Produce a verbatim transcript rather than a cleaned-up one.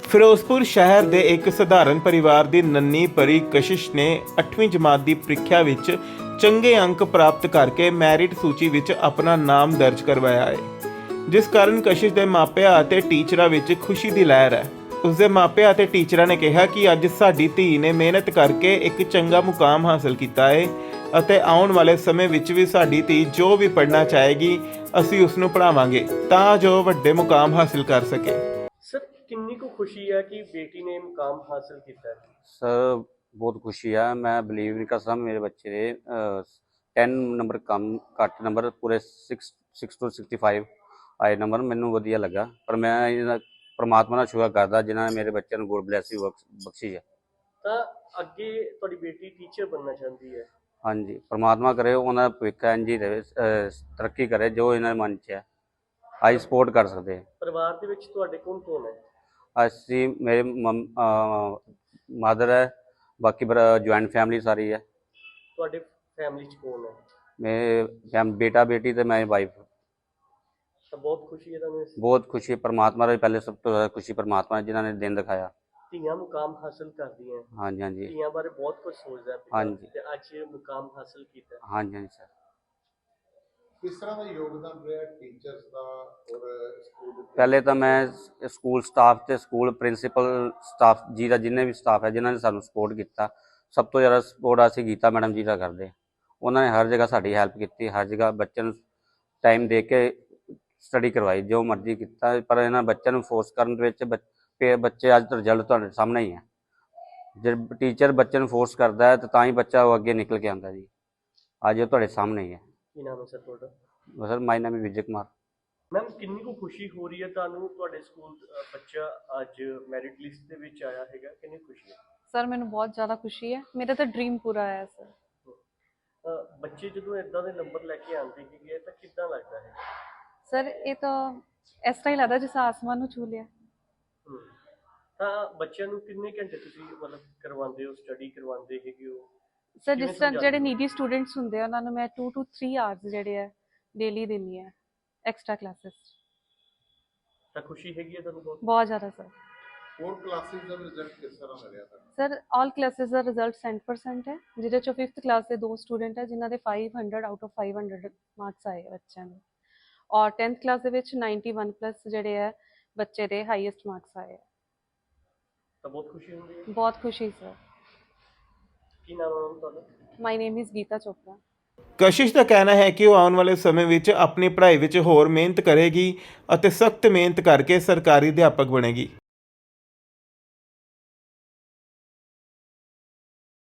ਫਿਰੋਜ਼ਪੁਰ ਸ਼ਹਿਰ ਦੇ ਇੱਕ ਸਧਾਰਨ ਪਰਿਵਾਰ ਦੀ ਨੰਨੀ ਪਰੀ ਕਸ਼ਿਸ਼ ਨੇ ਅੱਠਵੀਂ ਜਮਾਤ ਦੀ ਪ੍ਰੀਖਿਆ ਵਿੱਚ ਚੰਗੇ ਅੰਕ ਪ੍ਰਾਪਤ ਕਰਕੇ ਮੈਰਿਟ ਸੂਚੀ ਵਿੱਚ ਆਪਣਾ ਨਾਮ ਦਰਜ ਕਰਵਾਇਆ ਹੈ, ਜਿਸ ਕਾਰਨ ਕਸ਼ਿਸ਼ ਦੇ ਮਾਪਿਆਂ ਅਤੇ ਟੀਚਰਾਂ ਵਿੱਚ ਖੁਸ਼ੀ ਦੀ ਲਹਿਰ ਹੈ। ਉਸ ਦੇ ਮਾਪਿਆਂ ਅਤੇ ਟੀਚਰਾਂ ਨੇ ਕਿਹਾ ਕਿ ਅੱਜ ਸਾਡੀ ਧੀ ਨੇ ਮਿਹਨਤ ਕਰਕੇ ਇੱਕ ਚੰਗਾ ਮੁਕਾਮ ਹਾਸਲ ਕੀਤਾ ਹੈ ਅਤੇ ਆਉਣ ਵਾਲੇ ਸਮੇਂ ਵਿੱਚ ਵੀ ਸਾਡੀ ਧੀ ਜੋ ਵੀ ਪੜ੍ਹਨਾ ਚਾਹੇਗੀ ਅਸੀਂ ਉਸ ਨੂੰ ਪੜ੍ਹਾਵਾਂਗੇ ਤਾਂ ਜੋ ਵੱਡੇ ਮੁਕਾਮ ਹਾਸਲ ਕਰ ਸਕੇ। ਸਰ ਕਿੰਨੀ ਕੁ ਖੁਸ਼ੀ ਹੈ ਕਿ ਬੇਟੀ ਨੇ ਮੁਕਾਮ ਹਾਸਲ ਕੀਤਾ ਹੈ? ਸਰ ਬਹੁਤ ਖੁਸ਼ੀ ਆ। ਮੈਂ ਬਿਲੀਵ ਨਹੀਂ ਕਰ ਸਕਦਾ ਮੇਰੇ ਬੱਚੇ ਦੇ ਦਸ ਨੰਬਰ ਕਮ ਘੱਟ ਨੰਬਰ ਪੂਰੇ ਸਿਕਸ ਸਿਕਸ ਤੋਂ ਸਿਕਸਟੀ ਫਾਈਵ ਆਏ ਨੰਬਰ। ਮੈਨੂੰ ਵਧੀਆ ਲੱਗਾ, ਪਰ ਮੈਂ ਇਹਦਾ ਪਰਮਾਤਮਾ ਦਾ ਸ਼ੁਕਰ ਕਰਦਾ ਜਿਨ੍ਹਾਂ ਨੇ ਮੇਰੇ ਬੱਚਿਆਂ ਨੂੰ ਗੋਡ ਬਲੈਸਿੰਗ ਬਖਸ਼ੀ ਹੈ। ਤਾਂ ਅੱਗੇ ਤੁਹਾਡੀ ਬੇਟੀ ਟੀਚਰ ਬਣਨਾ ਚਾਹੁੰਦੀ ਹੈ? ਹਾਂਜੀ, ਪਰਮਾਤਮਾ ਕਰੇ ਉਹਨਾਂ ਦਾ ਭਵਿੱਖ ਇੰਝ ਹੀ ਰਹੇ, ਤਰੱਕੀ ਕਰੇ ਜੋ ਇਹਨਾਂ ਦੇ ਮਨ 'ਚ ਹੈ। ਅਸੀਂ ਸਪੋਰਟ ਕਰ ਸਕਦੇ ਹਾਂ। ਪਰਿਵਾਰ ਦੇ ਵਿੱਚ ਤੁਹਾਡੇ ਕੌਣ ਕੌਣ ਹੈ? ਅਸੀਂ ਮੇਰੇ ਮਦਰ ਹੈ, ਬਾਕੀ ਜੁਆਇੰਟ ਫੈਮਿਲੀ ਸਾਰੀ ਹੈ। ਤੁਹਾਡੇ ਫੈਮਿਲੀ 'ਚ ਕੌਣ ਹੈ? ਮੇਰੇ ਬੇਟਾ ਬੇਟੀ ਤੇ ਮੈਂ ਵਾਈਫ। ਤਾਂ ਬਹੁਤ ਖੁਸ਼ੀ ਹੈ ਤੁਹਾਨੂੰ? ਬਹੁਤ ਖੁਸ਼ੀ ਹੈ ਪਰਮਾਤਮਾ ਦੀ, ਪਹਿਲੇ ਸਭ ਤੋਂ ਜ਼ਿਆਦਾ ਖੁਸ਼ੀ ਪਰਮਾਤਮਾ ਜਿਨ੍ਹਾਂ ਨੇ ਦਿਨ ਦਿਖਾਇਆ। ਧੀਆਂ ਮੁਕਾਮ ਹਾਸਲ ਕਰਦੀਆਂ? ਹਾਂਜੀ ਹਾਂਜੀ ਧੀਆਂ ਬਾਰੇ ਬਹੁਤ ਕੁਝ ਸੋਚਦਾ ਪਿਤਾ, ਹਾਂਜੀ, ਤੇ ਅੱਜ ਇਹ ਮੁਕਾਮ ਹਾਸਲ ਕੀਤਾ। ਹਾਂਜੀ ਹਾਂਜੀ ਸਰ। ਕਿਸ ਤਰ੍ਹਾਂ ਦਾ ਯੋਗਦਾਨ ਰਿਹਾ ਟੀਚਰਸ ਦਾ ਔਰ ਸਕੂਲ ਦੇ? ਪਹਿਲੇ ਤਾਂ ਮੈਂ ਸਕੂਲ ਸਟਾਫ ਤੇ ਸਕੂਲ ਪ੍ਰਿੰਸੀਪਲ ਸਟਾਫ ਜੀ ਦਾ, ਜਿੰਨੇ ਵੀ ਸਟਾਫ ਹੈ ਜਿਨ੍ਹਾਂ ਨੇ ਸਾਨੂੰ ਸਪੋਰਟ ਕੀਤਾ, ਸਭ ਤੋਂ ਜ਼ਿਆਦਾ ਸਪੋਰਟ ਅਸੀਂ ਗੀਤਾ ਮੈਡਮ ਜੀ ਦਾ ਕਰਦੇ। ਉਹਨਾਂ ਨੇ ਹਰ ਜਗ੍ਹਾ ਸਾਡੀ ਹੈਲਪ ਕੀਤੀ, ਹਰ ਜਗ੍ਹਾ ਬੱਚਿਆਂ ਨੂੰ ਟਾਈਮ ਦੇ ਕੇ ਸਟੱਡੀ ਕਰਵਾਈ, ਜੋ ਮਰਜ਼ੀ ਕੀਤਾ। ਪਰ ਇਹਨਾਂ ਬੱਚਿਆਂ ਨੂੰ ਫੋਰਸ ਕਰਨ ਦੇ ਵਿੱਚ ਬੱਚੇ ਅੱਜ ਰਿਜ਼ਲਟ ਤੁਹਾਡੇ ਸਾਹਮਣੇ ਹੀ ਹੈ। ਜੇ ਟੀਚਰ ਬੱਚੇ ਨੂੰ ਫੋਰਸ ਕਰਦਾ ਹੈ ਤਾਂ ਤਾਂ ਹੀ ਬੱਚਾ ਉਹ ਅੱਗੇ ਨਿਕਲ ਕੇ ਆਉਂਦਾ ਜੀ। ਅੱਜ ਉਹ ਤੁਹਾਡੇ ਸਾਹਮਣੇ ਹੀ ਹੈ। ਕੀ ਨਾਮ ਹੈ ਸਰ ਤੁਹਾਡਾ? ਸਰ ਮਾਈ ਨਾਮ ਹੈ ਵਿਜੇ ਕੁਮਾਰ। ਮੈਮ ਕਿੰਨੀ ਕੁ ਖੁਸ਼ੀ ਹੋ ਰਹੀ ਹੈ ਤੁਹਾਨੂੰ, ਤੁਹਾਡੇ ਸਕੂਲ ਬੱਚਾ ਅੱਜ ਮੈਰਿਟ ਲਿਸਟ ਦੇ ਵਿੱਚ ਆਇਆ ਹੈਗਾ, ਕਿੰਨੀ ਖੁਸ਼ੀ ਹੈ? ਸਰ ਮੈਨੂੰ ਬਹੁਤ ਜ਼ਿਆਦਾ ਖੁਸ਼ੀ ਹੈ, ਮੇਰਾ ਤਾਂ ਡ੍ਰੀਮ ਪੂਰਾ ਹੋਇਆ ਸਰ। ਬੱਚੇ ਜਦੋਂ ਇਦਾਂ ਦੇ ਨੰਬਰ ਲੈ ਕੇ ਆਉਂਦੇ ਹੈਗੇ ਤਾਂ ਕਿੱਦਾਂ ਲੱਗਦਾ ਹੈ? ਸਰ ਇਹ ਤਾਂ ਇਸ ਤਰ੍ਹਾਂ ਹੀ ਲੱਗਦਾ ਜਿਸ ਆਸਮਾਨ ਨੂੰ ਛੂ ਲਿਆ। ਤਾਂ ਬੱਚਿਆਂ ਨੂੰ ਕਿੰਨੇ ਘੰਟੇ ਤੁਸੀਂ ਮਤਲਬ ਕਰਵਾਉਂਦੇ ਹੋ, ਸਟੱਡੀ ਕਰਵਾਉਂਦੇ ਹੈਗੇ ਹੋ? ਸਰ ਜਿਸ ਤਰ੍ਹਾਂ ਜਿਹੜੇ ਨੀਡੀ ਸਟੂਡੈਂਟਸ ਹੁੰਦੇ ਆ ਉਹਨਾਂ ਨੂੰ ਮੈਂ ਟੂ ਟੂ ਥ੍ਰੀ ਆਵਰਸ ਜਿਹੜੇ ਆ ਡੇਲੀ ਦਿੰਦੀ ਆ ਐਕਸਟਰਾ ਕਲਾਸਿਸ। ਤਾਂ ਖੁਸ਼ੀ ਹੈਗੀ ਹੈ ਤੁਹਾਨੂੰ ਬਹੁਤ? ਬਹੁਤ ਜ਼ਿਆਦਾ ਸਰ। ਹੋਰ ਕਲਾਸਿਸ ਦਾ ਰਿਜ਼ਲਟ ਕਿਸ ਤਰ੍ਹਾਂ ਦਾ ਰਿਹਾ ਤੁਹਾਨੂੰ? ਸਰ ਆਲ ਕਲਾਸਿਸ ਦਾ ਰਿਜ਼ਲਟ ਸੈਂਟ ਪਰਸੈਂਟ ਹੈ, ਜਿਹਦੇ ਚੋਂ ਫਿਫਥ ਕਲਾਸ ਦੇ ਦੋ ਸਟੂਡੈਂਟ ਹੈ ਜਿਨ੍ਹਾਂ ਦੇ five hundred out of five hundred marks ਆਏ ਬੱਚਿਆਂ ਦੇ, ਔਰ ਟੈਂਥ ਕਲਾਸ ਦੇ ਵਿੱਚ ਨਾਈਨਟੀ ਵਨ ਪਲੱਸ ਜਿਹੜੇ ਹੈ ਬੱਚੇ ਦੇ ਹਾਈਐਸਟ ਮਾਰਕਸ ਆਏ। ਤਾਂ ਬਹੁਤ ਖੁਸ਼ੀ ਹੁੰਦੀ ਹੈ? ਬਹੁਤ ਖੁਸ਼ੀ ਸਰ। ਕੀ ਨਾਮ ਹੈ ਤੁਹਾਡਾ? My name is Geeta Chopra. Kashish ਦਾ ਕਹਿਣਾ ਹੈ ਕਿ ਉਹ ਆਉਣ ਵਾਲੇ ਸਮੇਂ ਵਿੱਚ ਆਪਣੀ ਪੜ੍ਹਾਈ ਵਿੱਚ ਹੋਰ ਮਿਹਨਤ ਕਰੇਗੀ ਅਤੇ ਸਖਤ ਮਿਹਨਤ ਕਰਕੇ ਸਰਕਾਰੀ ਅਧਿਆਪਕ ਬਣੇਗੀ।